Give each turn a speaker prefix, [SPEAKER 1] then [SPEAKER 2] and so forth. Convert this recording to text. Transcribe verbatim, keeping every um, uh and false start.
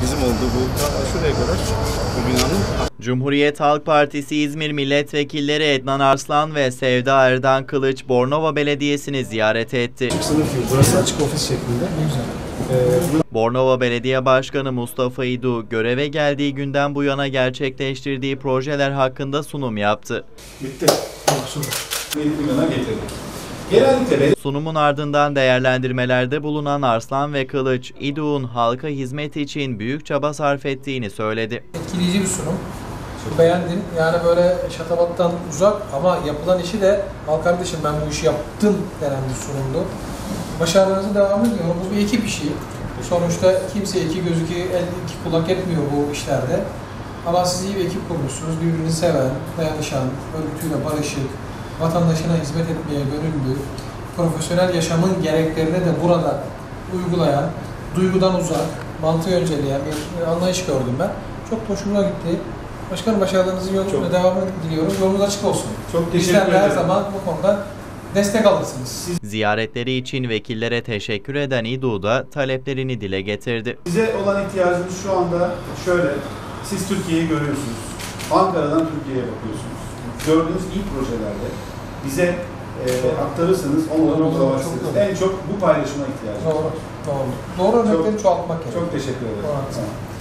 [SPEAKER 1] bizim oldu bu şuraya kadar bu binanın.
[SPEAKER 2] Cumhuriyet Halk Partisi İzmir Milletvekilleri Ednan Arslan ve Sevda Erdan Kılıç Bornova Belediyesi'ni ziyaret etti.
[SPEAKER 1] Sınıf gibi. Burası açık ofis şeklinde. Ne güzel. Ee,
[SPEAKER 2] Bornova Belediye Başkanı Mustafa İdu, göreve geldiği günden bu yana gerçekleştirdiği projeler hakkında sunum yaptı.
[SPEAKER 1] Bitti. yedi milyona getirdik. Genellikle
[SPEAKER 2] sunumun ardından değerlendirmelerde bulunan Arslan ve Kılıç, İDU'nun halka hizmet için büyük çaba sarf ettiğini söyledi.
[SPEAKER 3] Etkileyici bir sunum. Beğendim. Yani böyle şatafattan uzak ama yapılan işi de al kardeşim ben bu işi yaptım denen bir sunumdu. Başarılarınızı devam ediyorum. Bu bir ekip işi. Sonuçta kimse iki göz iki el iki kulak etmiyor bu işlerde. Ama siz iyi bir ekip kurmuşsunuz. Birbirini seven, dayanışan, örgütüyle barışık, vatandaşına hizmet etmeye gönüllü, profesyonel yaşamın gereklerini de burada uygulayan, duygudan uzak, mantığı önceleyen bir anlayış gördüm ben. Çok hoşuma gitti. Başkanım başarılarınızın yolunda devamını diliyorum. Yolunuz açık olsun.
[SPEAKER 1] Çok teşekkür ederim.
[SPEAKER 3] Bizler de her zaman bu konuda destek alırsınız. Siz...
[SPEAKER 2] Ziyaretleri için vekillere teşekkür eden İDU da taleplerini dile getirdi.
[SPEAKER 4] Bize olan ihtiyacımız şu anda şöyle. Siz Türkiye'yi görüyorsunuz. Ankara'dan Türkiye'ye bakıyorsunuz. Gördüğünüz iyi projelerde bize e, aktarırsanız onları uygularsınız. En çok bu paylaşıma ihtiyacımız var.
[SPEAKER 3] Doğru, doğru. Doğru örnekleri çoğaltmak gerekiyor.
[SPEAKER 4] Çok teşekkür ederim.
[SPEAKER 3] Doğru.